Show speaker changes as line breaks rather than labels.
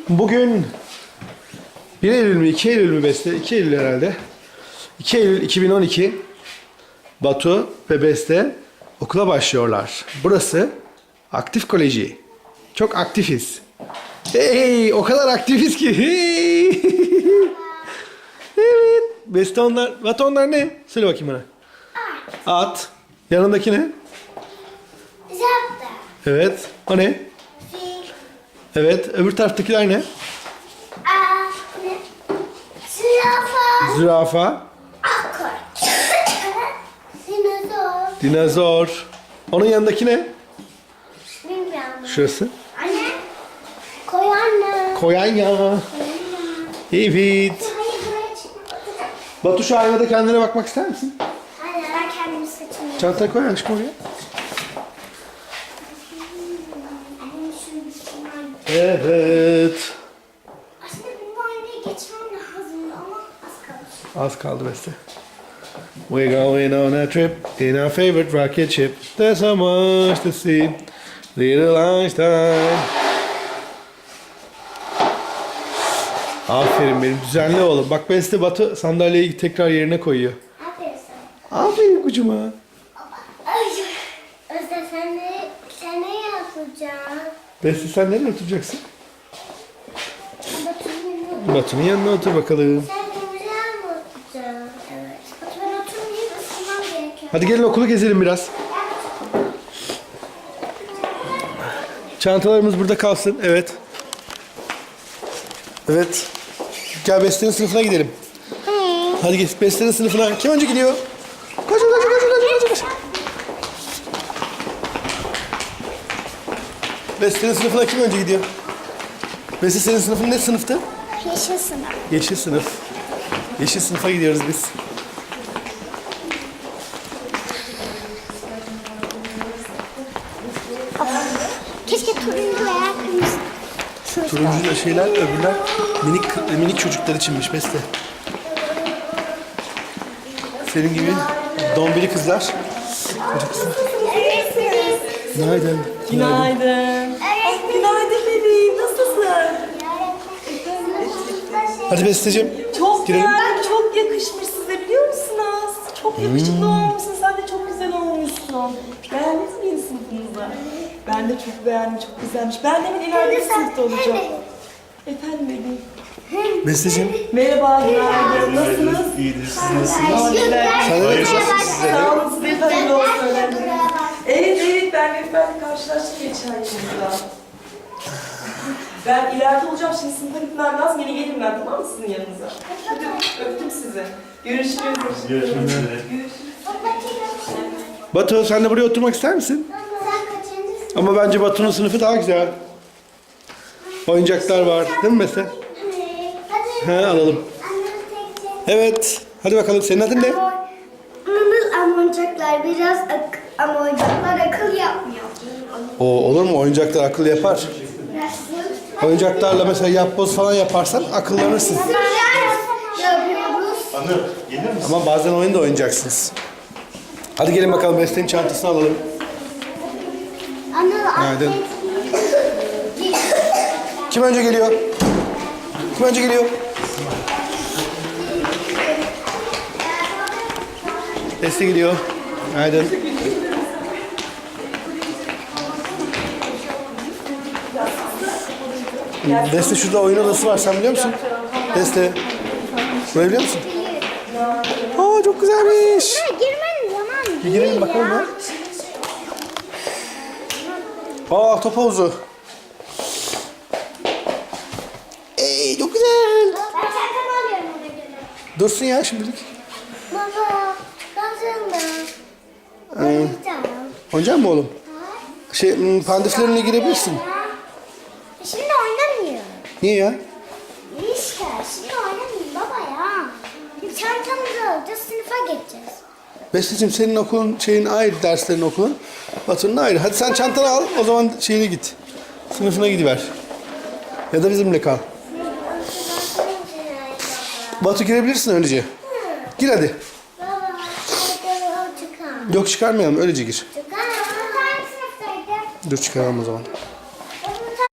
Bugün 1 Eylül mü 2 Eylül mü Beste? 2 Eylül herhalde. 2 Eylül 2012 Batu ve Beste okula başlıyorlar. Burası Aktif Koleji. Çok aktifiz. Hey, o kadar aktifiz ki. Hey. Evet. Beste onlar. Batu onlar ne? Söyle bakayım bana. At. Yanındaki ne?
Zebra.
Evet. O ne?
Fil.
Evet. Öbür taraftakiler ne?
Ne? Zürafa.
Zürafa.
Akort. Dinozor.
Dinozor. Onun yanındaki ne?
Bilmiyorum.
Şurası.
Anne. Koyanlı.
Koyanya. Evet.
Hayır buraya çıkma.
Batu şu aynada kendine bakmak ister misin?
Hayır ben kendimi saçımı.
Çantaya koy aşkım oraya.
Annem şunu düşünmem.
Evet.
Aslında benim aynaya geçmem lazım ama az kalmış.
Az kaldı Beste. We're going on a trip in our favorite rocket ship. There's so much to see. Little Einstein. Aferin benim düzenli oğlum. Bak Beste Batu sandalyeyi tekrar yerine koyuyor.
Aferin sana.
Aferin kucuma.
Ay, Özde sen ne yapacaksın?
Beste sen nereye oturacaksın?
Batu'nun
Batu'nun yanına otur bakalım.
Sen güzel mi oturacaksın? Evet. Batu ben oturmayayım ısınmam gerekiyor.
Hadi gelin okulu gezelim biraz. Çantalarımız burada kalsın. Evet. Evet. Gel Beste'nin sınıfına gidelim. Hadi git Beste'nin sınıfına. Kim önce gidiyor? Koşun koşun koşun koşun koşun. Beste'nin sınıfına kim önce gidiyor? Beste senin sınıfın ne sınıftı?
Yeşil sınıf.
Yeşil sınıf. Yeşil sınıfa gidiyoruz biz.
Keşke turuncu veya kırmızı.
Turuncu da şeyler, öbürler minik çocuklar içinmiş Beste. Senin gibi dombili kızlar. Koca kızlar. Günaydın.
Günaydın. Günaydın bebeğim. Nasılsın?
Hadi Besteciğim.
Çok
Girelim.
beğendim. Çok yakışmış size biliyor musunuz? Çok yakışıklı olmuşsun. Sen de çok güzel olmuşsun. Beğendiniz mi yeni sınıfınızı? Ben de çok beğendim. Çok güzelmiş. Ben de ileride bir sınıfta olacağım. Efendim bebeğim.
Besteciğim.
Merhaba, günaydın. Nasılsınız?
İyidir, siz nasılsınız?
Sen de yakışıksın size de.
Sağ olun, size de hayırlı olsun. Evet, ben rehberle karşılaştım geçen yılda. Ben ileride olacağım, şimdi sınıfa gitmem lazım. Yeni gelirim ben, tamam mı sizin yanınıza? Hadi öptüm sizi. Görüşürüz.
Görüşmek üzere.
Batu sen de buraya oturmak ister misin?
Sen kaçıncısın?
Ama bence Batu'nun sınıfı daha güzel. Oyuncaklar var. Değil mi Beste?
Hadi.
He alalım.
Annem tek
Evet. Hadi bakalım senin adın ne?
ama oyuncaklar biraz ama oyuncaklar akıl yapmıyor.
O olur mu? Oyuncaklar akıllı yapar. Oyuncaklarla mesela yapboz falan yaparsan akıllanırsın.
Yapıyoruz.
Anır, gelir misin?
Ama bazen oyun da oynayacaksınız. Hadi gelin bakalım Beste'nin çantasını alalım. Günaydın. Kim önce geliyor? Kim önce geliyor? Beste geliyor. Günaydın. Beste şurada oyun odası var. Sen biliyor musun? Beste. Burayı biliyor musun? Aa çok güzelmiş.
Girmenin zamanı
Bir girelim bakalım ya. Aa top havuzu. Ey çok güzel.
Ben çantamı alıyorum ona göre.
Dursun ya şimdilik.
Baba, kazandım. Oynayacağım.
Oynayacak mı oğlum? Pandiflerine girebilirsin.
Şimdi oynamıyor.
Niye ya?
İşte şimdi oynamayayım baba ya. Çantamızı alacağız, sınıfa geçeceğiz.
Besteciğim senin okulun ayrı, derslerin okulun. Batu'nun ayrı. Hadi sen çantanı al, o zaman git. Sınıfına gidiver. Ya da bizimle kal. Batu girebilirsin öylece. Gir hadi.
Baba, hadi çıkalım.
Yok çıkarmayalım, öylece gir.
Çıkalım. Hangi sınıftaydı?
Dur çıkaralım o zaman.